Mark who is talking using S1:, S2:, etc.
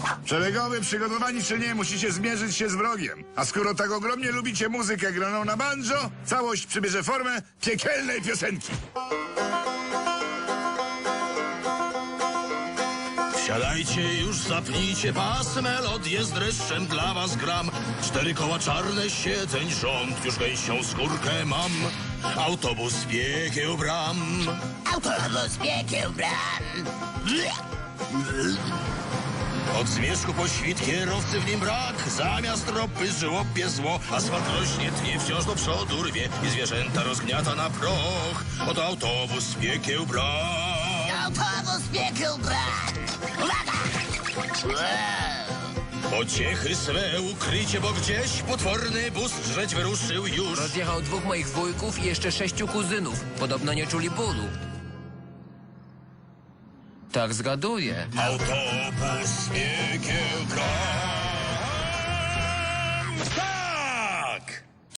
S1: Szeregowy, przygotowani czy nie, musicie zmierzyć się z wrogiem. A skoro tak ogromnie lubicie muzykę graną na banjo, całość przybierze formę piekielnej piosenki.
S2: Siadajcie już, zapnijcie pas, melodię z dreszczem dla was gram. 4 koła czarne, siedzeń rząd, już gęsią skórkę mam. Autobus piekieł bram.
S3: Autobus piekieł bram.
S2: Od zmierzchu po świt kierowcy w nim brak. Zamiast ropy żłopie zło. Asfalt rośnie, tnie wciąż do przodu rwie i zwierzęta rozgniata na proch. Oto autobus piekieł bram.
S3: Autobus piekieł bram. Uwaga!
S2: Pociechy swe ukrycie, bo gdzieś potworny bus żreć wyruszył już.
S4: Rozjechał 2 moich wujków i jeszcze 6 kuzynów. Podobno nie czuli bólu. Tak zgaduję.
S2: Autobus piekieł